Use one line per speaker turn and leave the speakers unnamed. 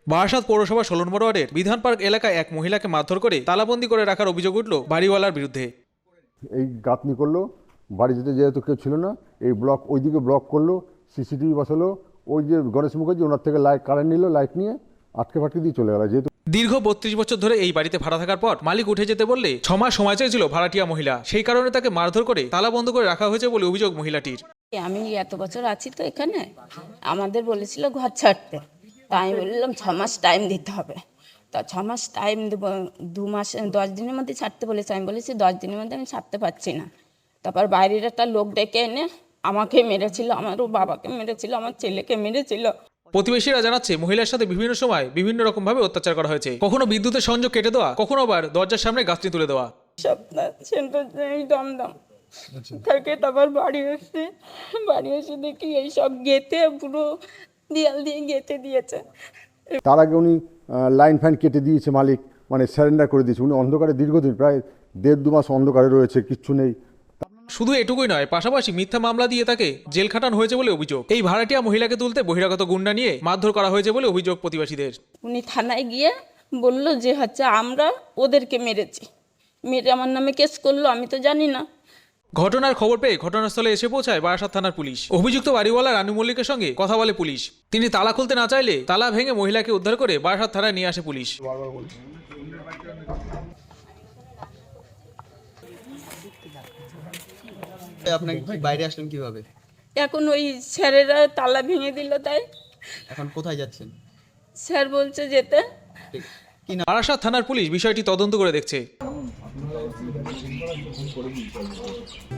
বারাসাত পৌরসভা 16 নম্বর ওয়ার্ডের বিধান পার্ক এলাকায় এক মহিলাকে মারধর করে তালাবন্দি করে রাখার অভিযোগ উঠল বাড়িওয়ালার বিরুদ্ধে।
এই গাঁথনি করলো, বাড়ি যেহেতু কেউ ছিল না, এই ব্লক ওইদিকে ব্লক করলো, সিসিটিভি বসালো, ওই যে গণেশ মুখার্জি ওনার থেকে লাইট কারেন্ট নিল, লাইট নিয়ে আটকে ফাটকে দিয়ে চলে গেল। যেহেতু
দীর্ঘ 32 বছর ধরে এই বাড়িতে ভাড়া থাকার পর মালিক উঠে যেতে বললে 6 মাস সময় চেয়েছিল ভাড়াটিয়া মহিলা, সেই কারণে তাকে মারধর করে তালা বন্ধ করে রাখা হয়েছে বলে অভিযোগ মহিলাটির।
আমি এত বছর আছি তো এখানে, আমাদের বলেছিল ঘর ছাড়তে, তা আমি বললাম 6 মাস টাইম দিতে হবে। তা 6 মাস টাইম দেবো, 2 মাস 10 দিনের মধ্যে ছাড়তে বলেছে। আমি বলেছি 10 দিনের মধ্যে আমি ছাড়তে পারছি না। তারপর বাইরের একটা লোক ডেকে এনে আমাকে মেরেছিল, আমারও বাবাকে মেরেছিল, আমার ছেলেকে মেরেছিল।
প্রতিবেশীরা জানাচ্ছে মহিলার সাথে বিভিন্ন সময় বিভিন্ন রকম ভাবে অত্যাচার করা হয়েছে, কখনো বিদ্যুতের সংযোগ কেটে দেওয়া, কখনো আবার দরজার সামনে গাছটি তুলে দেওয়া।
সপ্তাহ সেন্টার দমদম থাকে। তারপর বাড়ি এসে দেখি এইসব গেঁথে পুরো দেয়াল দিয়ে গেঁথে দিয়েছে।
তার আগে উনি লাইন ফাইন কেটে দিয়েছে মালিক, মানে স্যারেন্ডার করে দিয়েছে। উনি অন্ধকারে দীর্ঘদিন প্রায় 1.5-2 মাস অন্ধকারে রয়েছে, কিচ্ছু নেই।
শুধু এটুকুই নয়, পাশাপাশি মিথ্যা মামলা দিয়ে তাকে জেল খাটানো হয়েছে বলে অভিযোগ। এই ভাড়াটিয়া মহিলাকে তুলতে বহিরাগত গুন্ডা নিয়ে মারধর করা হয়েছে বলে অভিযোগ প্রতিবেশীদের।
উনি থানায় গিয়ে বলল যে আমরা ওদেরকে মেরেছি, মেরে আমার নামে কেস করলো, আমি তো জানি না।
ঘটনার খবর পেয়ে ঘটনাস্থলে এসে পৌঁছায় বারাসাত থানার পুলিশ। অভিযুক্ত বাড়িওয়ালা রানু মল্লিকের সঙ্গে কথা বলে পুলিশ। তিনি তালা খুলতে না চাইলে তালা ভেঙে মহিলাকে উদ্ধার করে বারাসাত থানায় নিয়ে আসে পুলিশ।
আপনাকে বাইরে আসলেন কিভাবে?
এখন ওই স্যারেরা তালা ভেঙে দিল, তাই
এখন কোথায় যাচ্ছেন?
স্যার বলছে যেতে।
বারাসাত থানার পুলিশ বিষয়টি তদন্ত করে দেখছে।